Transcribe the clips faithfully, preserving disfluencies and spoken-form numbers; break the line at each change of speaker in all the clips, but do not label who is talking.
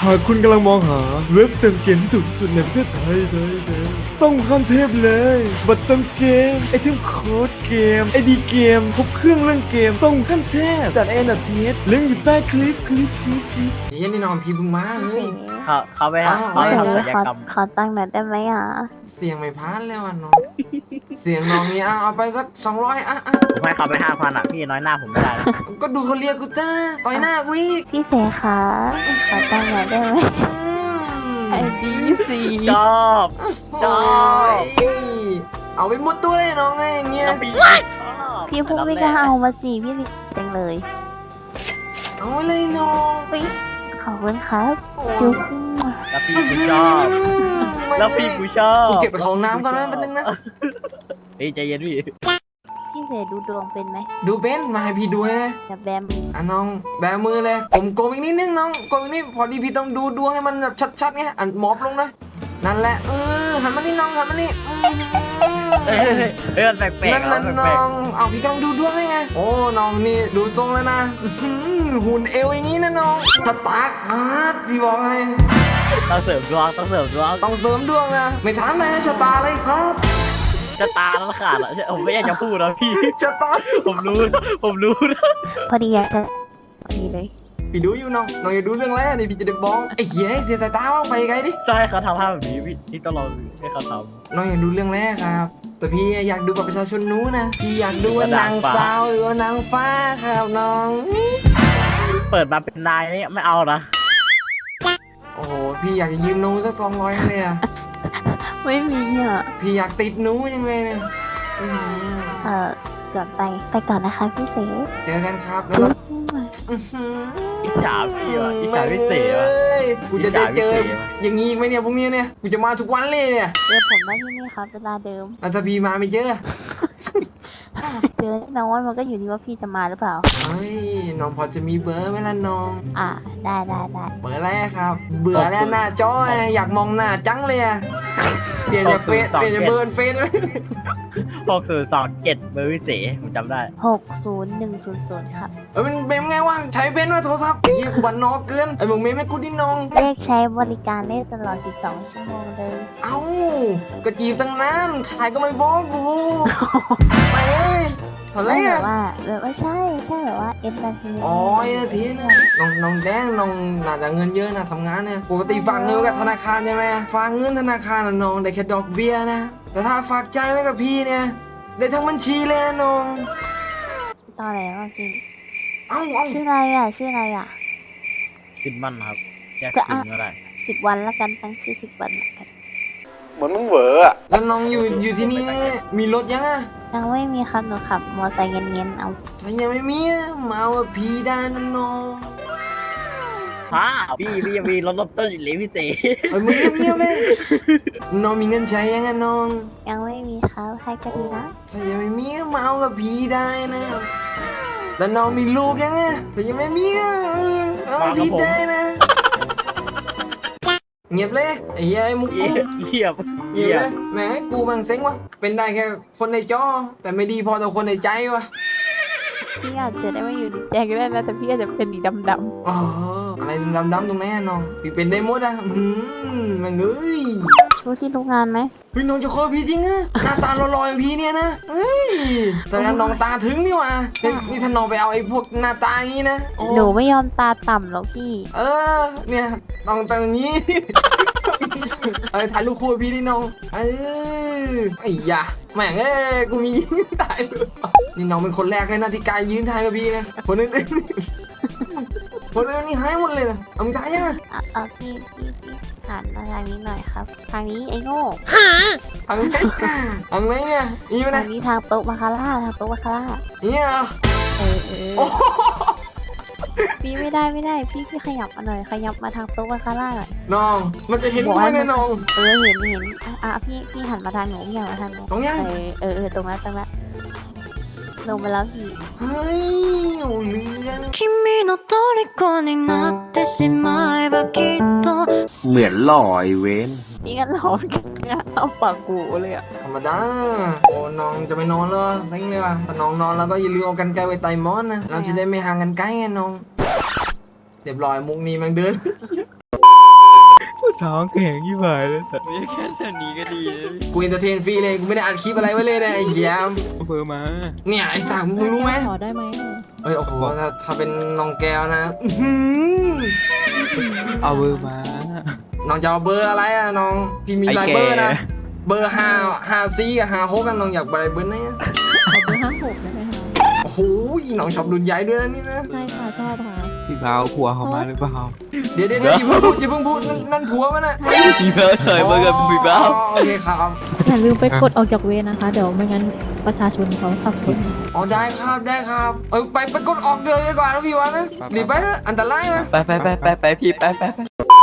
หากคุณกำลังมองหาเว็บเติมเกมที่ถูกที่สุดในประเทศไทยไทยไทยต้องขั้นเทพเลยบัตรเติมเกมไอเทมโค้ดเกมไอดีเกมครบเครื่องเรื่องเกมต้องขั้นเทพดัดเอ็นดัดเทสลิงก์อยู่ใต้คลิปคลิปคลิปคลิป
เฮียนี่นอนพี่บึงมาเล
เสี
ย
ยง
เขาเขาไป
อ้าว
เขาไป
เสียง
ทำศัลย
ขอก
รรม
ขอตั้งค์หน่อยได้ไหมอ่ะ
เสียงไม่พานแล้วอ่ะน้องเสียงน้องนี่เอาเอาไปสักสองร้อยอ่ะอ่ะ
ผมให้เขาไปห้าพันอ่ะพี่น้อยหน้าผมไม่ได้นะ
ก็ดูเขาเรียกกูจ้าต่อยหน้ากูอีก
พี่เสขาขอตั้งค์หน่อยได้ไหมไอดีสี่
ชอบชอบ
โอ้ยเอาไปหมดตัวเลยน้องไงอย่างเงี้ย
น้องพี่ชอบ
พี่พูดไม่กล้าเอามาสิพี่จังเลย
เอาไปเลยน้อง
อุ๊ยขอบคุณครับจุ๊บ
แล้วพี่กูชอบแล้วพี่กูชอบ
กูเก็บไปของน้ำก่อนนะแป๊บนึงนะ
เฮ้ยใจเย็นพี่
พี่เสดูดวงเป็นไหม
ดูเป็นมาให้พี่ดูให้นะ
จะแบม
อ่ะน้องแบมือเลยผมโกงอีกนิดนึงน้องโกงอีกนิดพอดีพี่ต้องดูดวงให้มันแบบชัดๆไงอ่ะหมอบลงนะนั่นแหละเออหันมานี่น้องหันมานี่อืม
เฮ้ยเฮ้ยเฮ้ยมันแปลกๆ
นั่น
แล้
นั่
วน แปล
น้
ก
องเอาพี่กำลังดูดวงให้ไงโอ้น้องนี่ดูทรงแล้วนะอื้อหือหุ่นเอวอย่างงี้นะน้องสตาร์ทฮาร์ดพี่บอกให้
ๆต้องเสริมดวงต้องเสริมดวง
ต้องเสริมดวงนะไม่ถามเลยชะตาเลยครับ
จะตาแล้วขาดอ่ะผมไม่อยากจะพูดนะพี่
ชะตา
ผมรู้นะผมรู้นะ
พอดีอยากจะพอดีเลย
พี่ดูอยู่น้องน้องอย่าดูเรื่องแรกนี่พี่จะได้บอกไอ้เหี้ยเสียสายตาว่างไปไกลดิ
ต้องให้เขาทำภาพแบบนี้พี่พี่ต้องลองให้เขาท
น้องอย่าดูเรื่องแรกครับ แต่พี่อยากดูกับประชาชนนู้นนะพี่อยากดูว่านางสาวหรือว่านางฟ้าครับน้อง
ำเปิดมาเป็นนายนี่ไม่เอานะ
โอ้โหพี่อยากจะยืมหนูสักสองร้อยเลยอะ
ไม่มีอ่ะ
พี่อยากติดหนูยังไงเนี่ยอื้อหือ
เออก่อนไปไปก่อนนะคะพี่เส
เจอกันครับแล้ว
จุ๊
ก็
บ
อื้อหือ
อิจฉาพี่ว่ะอิจฉาพี่เสว่ะ
แม่งเอ้ยกูจะได้เจอ
อิจฉาพี่เสว่ะ
อย่างงี้อีกไหมเนี่ยพรุ่งนี้เนี่ยกูจะมาทุกวันเลยเนี่ย
เจอผมได้ที่นี่ครับเวลาเดิม
แล้วถ้าพี่มาไม่เจอ
เจอแน่นอนมันก็อยู่ที่ว่าพี่จะมาหรือเปล่า
เฮ้ยน้องพอจะมีเบอร์ไหมล่ะน้อง
อ่าได้ได้ได้
เบอร์อะไรครับ เบื่อแล้วหน้าจออะอยากมองหน้าจังเลยอะเปลี่ยนจากเฟซเปลี่ยนจากเบอร์เฟซเลย
หกศูนย์สองเจ็ดเบอร์พี่เสผมจำได้
หกศูนย์หนึ่งศูนย์ศูนย์ครับ
เออมันเป็นไงวะใช้เป็นว่าโทรศัพท์เฮียกูบันนอกเกินไอ้มึงเมย์ไม่กูดิน้อง
เลขใช้บริการได้ตลอด สิบสอง ชั่วโมงเลย
เอ้าก็จีบตั้งนานขายก็ไม่บอกกูไปเอ้ยอะไร
ไม่แบ
อ่ะ
บว่าแบบว่าใช่ใช่แบบว่าเอ็นเตอร์เทน
อ๋อไอ้ทีเนี่ยน้องน้องแดงน้องน่าจะเงินเยอะนะทำงานเนี่ยปกติฝากเงินไว้กับธนาคารใช่ไหมฝากเงินธนาคารน่ะน้องได้แค่ดอกเบี้ยนะ แต่ถ้าฝากใจไว้กับพี่เนี่ยได้ทั้งบัญชีเลยนะน้อง
ตอนไหนวะพี่
เอ้าเอ้า
ชื่ออะไรอ่ะชื่ออะไรอ่ะ
สิบมันครับแยก
ก็
สิ
อ่ะ
นก็ได้
สิบวันละกันตั้งชื่อสิบวันละกัน
เหมือนมึงเหวออะ
แล้วน้องอยู่อยู่ที่นี่เนี่ยมีรถยังอ่ะ
ยังไม่มีครับหนูขับมอไซค์เย็นๆเอา
ถ้ายังไม่มีอะมาเอากับพี่ได้นะน้อง
อ้าวพี่พี่ยังมีรถรถต้นอีกเลยพี่เส
เอ้ยมึงเงียบๆเลยน้องมีเงินใช้ยังไงน้อง
ยังไม่มีครับให้ก็ดีนะ
ถ้ายังไม่มีก็มาเอากับพี่ได้นะแล้วน้องมีลูกยังไงถ้ายังไม่มีก็เอากับพี่ได้นะเงียบเลยไอ้เหี้ยไอ้มุก
เยี
กู
ยบเยียบ
เงียบเลยแหมกูบังเซ็งวะเป็นได้แค่คนในจอ แต่ไม่ดีพอต่อคนในใจวะ
พี่อาจจะได้ไม่อยู่ในใจก็ได้นะแต่พี่อาจจะเป็นดีดำ
อ๋ออะไรดำๆตรงไหนอะน้องพี่เป็นได้หมดอะอืมมันเอ้ย
ๆชูที่โรงงานไหม
เฮ้ยน้องจะคบพี่จริงอะหน้าตาหล่อๆอย่างพี่เนี่ยนะเฮ้ยแสดงน้องตาถึงนี่หว่านี่นี่ถ้าน้องไปเอาไอ้พวกหน้าตาอย่างนี้นะโอ้
หนูไม่ยอมตาต่ำหรอกพี่
เออเนี่ยต้องตรงนี้ เออถ่ายรูปคู่กับพี่ดิน้องเออไอ้ยะแม่งเอ้ยกูมียืนถ่ายรูปนี่น้องเป็นคนแรกเลยนะที่กายยืนถ่ายกับพี่นะคนอื่นๆคนอื่นนี่หายหมดเลยนะเอามึงถ่ายยังอะ
อ่ะเอาพี่พี่พี่หันมาทางนี้หน่อยครับ ทางนี้ไอ้โง่
ทางไหนทางไหนเนี่ยนี่ไหม
ทา
นะ
งนี้ทางโต๊ะมาคาร่าทางโต๊ะมาคาร่า
เนี่ยเหรอ
เออเออ
โอ้โห
พี่ไม่ได้ไม่ได้พี่พี่ขยับมาหน่อยขยับมาทางโต๊ะมาคาร่าหน่อย
น้องมันจะเห็นกูไหมเนี่ยน้อง
เออเห็นเห็นอ่ะอ่ะพี่พี่หันมาทางหนูพี่หันมาทางหนู
ตรงยัง
เออเออเออตรงนั้นตรงนั้นลงมาแล้วพี่
เฮ้ยโอ้เรื่อง
君の虜になってしまえばきっと
เหมือนหล่อไอเวน
พี่กันหลอนกันเอาปากกูเลยอ่ะ
ธรรมดาโอ้น้องจะไปนอนแล้วเซ็งเลยว่ะถ้าน้องนอนแล้วก็อย่าลืมเอากันไกลไว้ไต่หมอนนะเราจะได้ไม่ห่างกันไกลไงน้องเรียบร้อยมุกนี้มันเดิน
ท้องแข็งยี่หายเลย
นี่แค่เท่านี้ก็ดีแล้ว
กูเอนเตอร์เทนฟรีเลยกูไม่ได้อัดคลิปอะไรไว้เลยนะไอ้เหี้ย
เอาเบอร์มา
เนี่ยไอ้สักมึงรู้ไหม
ขอได้ไหม
เอ้ยโอ้โหถ้าถ้าเป็นน้องแก้วนะอื้อหือ
เอาเบอร์มา
น้องจะเอาเบอร์อะไรอะน้องพี่มีหลายเบอร์นะเบอร์ห้าห้าซีกับห้าหกกันน้องอยากอะไรเบอร์ไหนอะ
ขอเบอร์ห้าหกได้ไหมคะ
โอ้โหน้องชอบรุ่นใหญ่ด้วยนะนี่นะ
ใช่ค่ะชอบค่ะ
พี่เบาผัวเขามาหรือเปล่า
เดี๋ยวเดี๋ยวเดี๋ยวอย่าเพิ่งพูดอย่าเพิ่งพูดนั่นนั่นผัวมันอะ
พี่เบิร์ดเคยเบิร์ดกับพี่เบิร์ด
อ๋อโอเคครับ
อย่าลืมไปกดออกจากเวรนะคะ เดี๋ยวไม่งั้นประชาชนเขาสับสน
อ๋อได้ครับได้ครับเออไปไปกดออกเดินดีกว่านะพี่วะนะหนีไปเถอะอันตรายไหม
ไปไปไปไปไปพี่ไปไปไป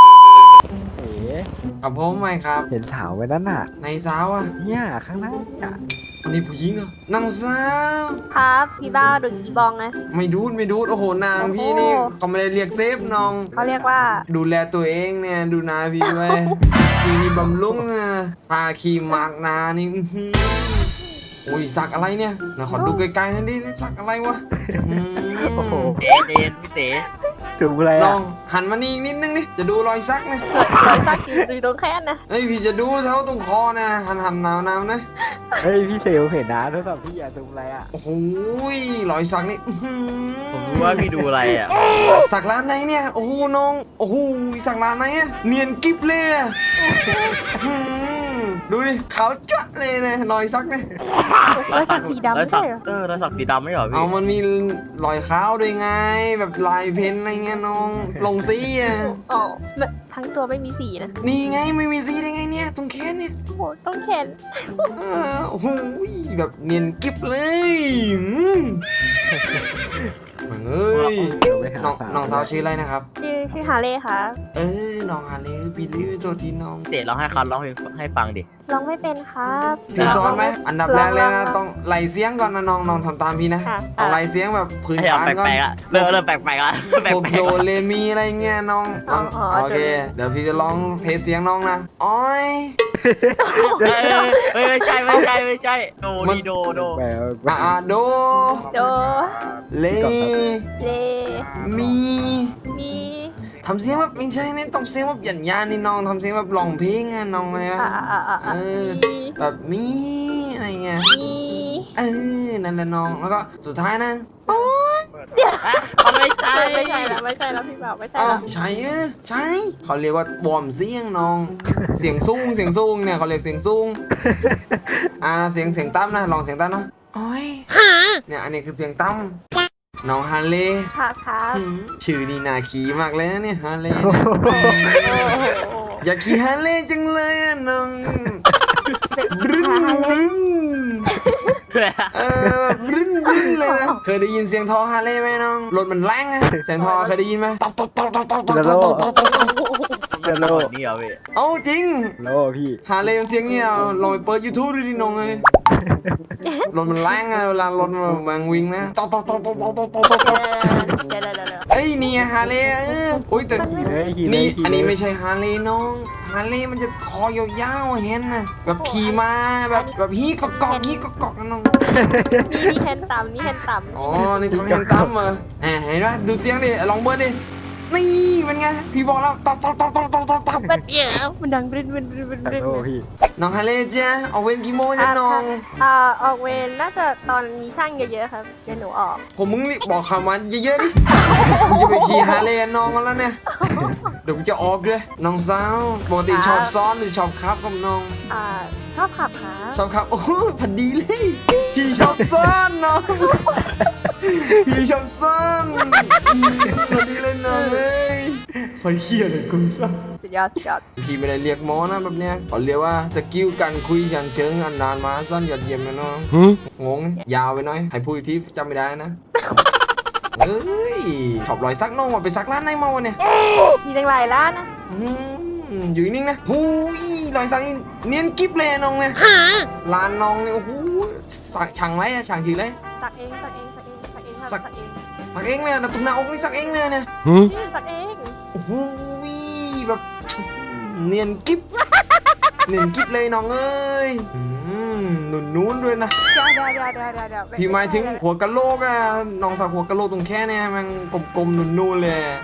กับผมไหมครับ
เห็นสาวไว้นั่นน่ะ
ในสาวอะ
เนี่ยข้างหน้าเนี่ย
อันนี้ผู้หญิงเหรอน้องสาว
ครับพี่บ้าดูอีบองไง
ไม่ดูดไม่ดูดโอ้โหนางพี่นี่เขาไม่ได้เรียกเซฟน้อง
เขาเรียกว่า
ดูแลตัวเองเนี่ยดูนาพี่ด้วยพี่นี่บำรุงอ่ะพาขี่มากนานี่อื้อหืออุ้ยสักอะไรเนี่ยนะขอดูไกลๆนั่นดิสักอะไรวะอืม
โอ้โห
เต๋เต๋พี่เต๋
ถึงอะไร
น้
อ่ะ
องหันมานี่อีกนิดนึงดิจะดูรอยสักนะ
เกิดรอยสักอยู่ตรงแค่นนะ
เอ้ยพี่จะดูเท่าตรงคอนะหันหันหนาวหนาวๆนะ
เฮ้ยพี่เซลเห็นนะโทรศัพท์พี่อะถึงอะไรอ่ะ
โอ้โหรอยสักนี่อื้อหือ
ผมรู้ว่าพี่ดูอะไรอ่ะ
สักร้านไหนเนี่ยโอ้โหน้องโอ้โหสักร้านไหนอะเนียนกิ๊บเลยอะอื้อหือดูดิขาวจั๊ะเลยนะรอยสักเนี่ย
รอยสักสีดำ
รอ
ไม่
ยสัก
ใช่เหรอ
เออรอยสักสีดำไม่เหรอพี่
เอามันมีรอยขาวด้วยไง แบบลายเพ้นท์อะไรเงี้ยน้องลงสีอ่ะ
อ๋อแบบทั้งตัวไม่มีสีนะ
นี่ไงไม่มีสีได้ไงเนี่ยตรงแขนเนี่ย
โอ้โหต้องเข็น
เออโอ้โหแบบเนียนกิ๊บเลยอืมเหมือนเอ้ย
เดี๋ยวไปหา
น้อง
สาว
น้องสาวชื่ออะไรนะครับ
ชื่อชื่อฮาเล่ค่ะ
เออน้องฮาเลพี่ดื้อตัวทีน้อง
เต๋ร้องให้เขาร้องเพลงให้ฟังดิ
ร้องไม่เป็นครับ
พี่สอนไหมอันดับแรกเลยนะต้องไล่เสียงก่อนนะน้องน้องทำตามพี่นะ
ค่ะ
เอาไล่เสียงแบบพื้น
ให้เอา
ฐานก่อน
แปลกๆอ่ะเริ่มเริ่มแปลกๆอ่ะแปล
พวก
ก
โด
ๆ
เรมีอะไรเงี้ยน้องน้องโอเค เดี๋ยวพี่จะลองเทสเสียงน้องนะอ้อย
เฮ้ยเฮ้ยไม่ใช่ไม่ใช่ไม่ใช่โดดีโดโด
แหม
อ่าโด
โด
เล
เล
มี
มี
ทำเสียงแบบไม่ใช่เนี่ยต้องเสียงแบบหยันยานนี่น้องทำเสียงแบบร้องเพลงอะน้องอะไร
อ่าว
ะ
อ่าอ่าอ่า
เออ
มี
แบบมีอะไรเงี้ย
มี
เออนั่นแหละน้องแล้วก็สุดท้ายนะ
เขาไม่ใช่
ไม่ใช่แล้วไม่ใช่แล้วพี่บ่าวไม่ใช่
อ้าว
แล้ว
ใช่เออใช่เขาเรียกว่าวอร์มเสียงน้อง เสียงสูงเสียงสูงเนี่ยเขาเรียกเสียงสูงอ่าเสียงเสียงต่ำนะลองเสียงต่ำเนาะอ้อยเนี่ยอันนี้คือเสียงต่ำน้องฮาเล่
ค่ะครับ
หืมชื่อนี่น่าขี่มากเลยนะเนี่ยฮาเล่เนี่ย
โอ้โห
อยากขี่ฮาเล่จังเลยอะน้องบรึ้นบรึ้นเออแบบบรึ้นบรึ้นเลยนะเคยได้ยินเสียงท่อฮาเล่ไหมน้องรถมันแรงอะเสียงท่อเคยได้ยินไหมตบตบตบตบตบตบตบตบตบตบ
จะโล
นี่เหรอพี่
เอาจริง
โลพี่
ฮาเล่มันเสียงเงี้ยลองไปเปิด YouTube ดูดิน้องเลยรถมันแรงอะเวลารถมันวิ่งนะตบตบตบตบตบตบตบตบ
เดี๋ยวเดี๋ยวเดี๋ยวเดี๋ยว
เอ้ยนี่ฮาเล่เอออุ้ยแต่
ขี่เลยขี่เลย
นี่
ขี่เลย
อันนี้ไม่ใช่ฮาร์เลย์น้อง ฮาร์เลย์มันจะคอยาวๆเห็นนะแบบขี่มาแบบแบบฮีกอกๆฮีกอกๆนะน้อง
มีมีแทนต่ำนี่แทนต่ำ
อ๋อ นี่ทำให้เห็นตั้มเหรอแหมเห็นไหมดูเสียงดิ ลองเบิร์ดดิ นี่เป็นไง พี่บอกแล้วตบตบตบตบตบตบตบ
มันเดี๋ยวมันดังบริ้นบริ้นบริ้นบริ้นบริ้น
โลพี่
น้องฮาร์เลย์จ้ะเอาเว้นกี่โมงจ้ะน้อง
อ่าออกเวรน่าจะตอนมีช่างเยอะๆครับเดี๋ยวหนูออก
ผมมึงนี่บอกคำมันเยอะๆดิกูจะไปขี่ฮาร์เลย์น้องกันแล้วเนี่ย เดี๋ยวกูจะออกด้วย น้องสาวปกติชอบซ้อนหรือชอบขับกับน้อง
อ่าชอบขับค่ะ
ชอบครับ โอ้โหพอดีเลย พี่ชอบซ่อนน้องพี่ชอบซ่อนพอดีเลยน้องเอ้ยพอเฮียเลยกูซ่อน
สุดยอดสุดยอด
พี่ไม่ได้เรียกหมอนะแบบเนี้ยเขาเรียกว่าสกิลการคุยอย่างเชิงอันนานมาสั้นยอดเยี่ยมนะน้องงงยาวไปหน่อยให้พูดอีกทีจำไม่ได้นะเอ้ยชอบรอยซักน้องว่าไปซักร้านไหนมาวะเนี่ย
มีตั้งหลายร้านนะ
อืมอยู่นิ่งๆนะหูยรอยสักนี่เนียนกิ๊บเลยน้องเนี่ยร้านน้องเนี่ยโอ้โหสักช่างไรอะช่างชื่ออะไร
สักเองสักเองสักเองสักเองครับ
สั
สั
ก
กเอง
สักเองเลยนะตรงหน้าอกนี่สักเองเลยเนี่ย
นี่สักเอง
โอ้โหแบบเนียนกิ๊บเนียนกิ๊บเลยน้องเอ้ยอืมหนุนนู้นด้วยนะ
เดี๋ยวเดี๋ยวเดี๋ยวเดี๋ยวเดี๋ยวเดี๋ยว
พี่หมายถึงหัวกะโหลกอะน้องสักหัวกะโหลกตรงแค่เนี่ยมันกลมๆหนุนๆเลย
อ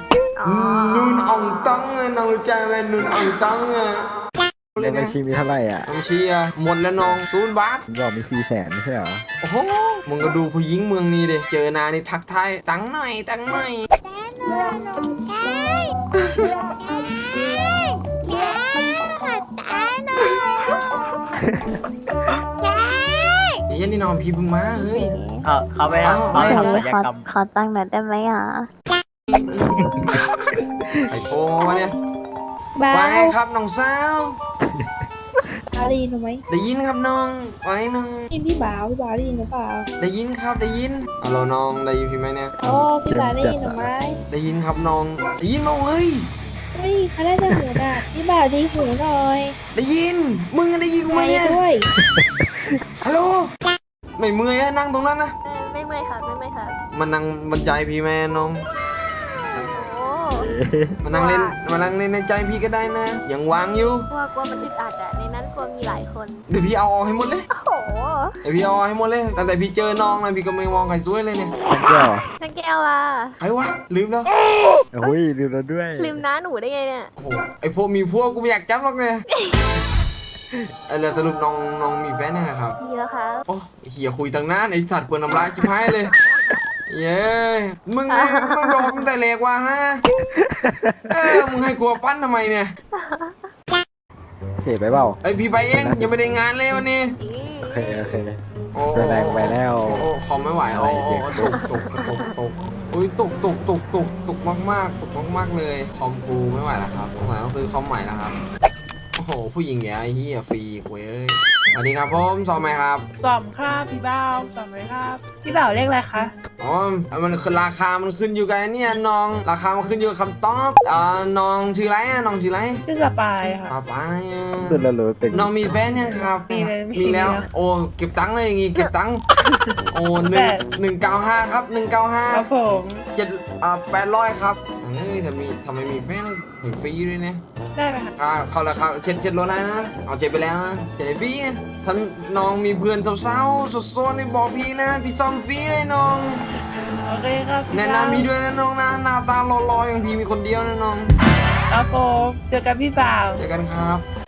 อ๋อ
นูนอ่องต้องอะน้องรู้จักไหมนูนอ่องต้องอะเล
ใน
ย
บั
นะ
ญชีมีเท่าไหร่อ่ะ
น้องเชียร์หมดแล้วน้องศูนย์บาท
ผมบอกมีสี่แสนไม่ใช่เหรอ
โอ้โหมึงก็ดูผู้หญิงเมืองนี้ดิเจอหนานี่ทักทายตังค์หน่อยตังค์หน่อยไอ้เหี้ยันนี่น้องพี่เพิ่งมาเฮ้ย
เขาเขาไป
เอา
ทำเขา
เอา
ไป
ขอ
ทำศัลย
ขอก
รรม
ขอตั้งค์หน่อยได้ไหมอ่ะ
ไอ้โทรมาวะเนี่ย
บ้า
ว่าไงครับน้องสาว
ได้ยินหนูไหม
ได้ยินครับน้องว่าไงน้อง
ได้ยินพี่บ่าวพี่บ่าวได้ยินหรือเปล่า
ได้ยินครับได้ยินฮัลโหลน้องได้ยินพี่ไหมเนี่ย
โอ้พี่บ่าวได้ยินหรือไม่
ได้ยินครับน้องได้ยินน้องเฮ้ย
เฮ้ยเขาได้จะหูดับพี่บ่าวดีหูหน่อย
ได้ยินมึงก็ได้ยินกูไหมเนี่ย
ด้วย
ฮัลโหลไม่เมื่อยอะนั่งตรงนั้นนะ
เออไม่เมื่อยค่ะไม่เมื่อยค่ะ
มันนั่งบรรจัยพี่แม่น้อง
โอ้
มานั่งเล่นมานั่งเล่นในใจพี่ก็ได้นะยังวางอยู่
กลัวกลัวมันอึดอัดอะในนั้นกลัวมีหลายคน
เดี๋ยวพี่เอาออกให้หมดเลย
โอ้โห
เดี๋ยวพี่เอาออกให้หมดเลยตั้งแต่พี่เจอน้องนะพี่ก็ไม่มองใครสวยเลยเนี่ย
ฉันแก้ว
ช่างแก้วอ่ะ
ใครวะลืมแล้ว
โอ้ยลืมแล้วด้วย
ลืมน้าหนูได้ไงเนี่ย
โอ้โหไอพวกมีพวกกูไม่อยากจับหรอกเนี่ยไอแล้วสรุปน้องน้องมีแฟนยังไงครับ
ดีแล้วครับ
โอ้เฮียคุยตั้งนานไอสัตว์เปิดน้ำลายจิ้มให้เลย เย้มึงนะมึงบอกมึงแต่เล็กว่าฮะเออมึงให้กลัวปั้นทำไมเนี่ย
เสียไปเปล่า
ไอพี่ไปเองยังไม่ได้งานเลยวันนี้
โอเคโอเค
โอ้
ไปแรงไปแล้ว
โอ้คอมไม่ไหวโอ้โอ้ตกตกตกตกอุ้ยตกตกตกตกตกมากมากตกมากมากเลยคอมกูไม่ไหวแล้วครับผมต้องซื้อคอมใหม่แล้วครับโอ้โหผู้หญิงเนี่ยไอ้เหี้ยฟรีเว้ยสวัสดีครับผมซอมไหมครับ
สอมครับพี่บ่าวสอมเลยครับ พี่บ่าวเลขอะไรคะ
อ๋อมันคือราคามันขึ้นอยู่กับไอ้เนี่ยน้องราคามันขึ้นอยู่กับคำตอบอ่าน้องชื่ออะไรอ่ะน้องชื่ออะไร
ชื่อสปายค่ะ
ป้าป้าอ่ะ
สุดละรู้เป็น
น้องมีแฟนยังครับ
มีเลยมี
มีแล้ว
แล้ว
โอ้เก็บตังค์เลยอย่างงี้เก็บตังค์โอ้หนึ่งหนึ่งเก้าห้าครับหนึ่งเก้าห้า
ครับผม
เจ็ดอ่าแปดร้อยครับเอ้ยทำไมทำไมมีแฟนให้ฟรีด้วยเนี่ย
ได้ไหมคะ
ค่าเข้าแล้วครับเช็ดเช็ดรถได้นะ เอาเช็ดไปแล้วนะเช็ดให้ฟรีไงท่านน้องมีเพื่อนสาวๆสดๆนี่บอกพี่นะ พี่ซ่อมฟรีเลยน้อง
โอเคครับพี่
แนะ
บ่าวน
ำพี่ด้วยนะน้องนะหน้าตาหล่อๆอย่างพี่มีคนเดียวนะน้อง
ครับผมเจอกันพี่บ่าว
เจอกันครับ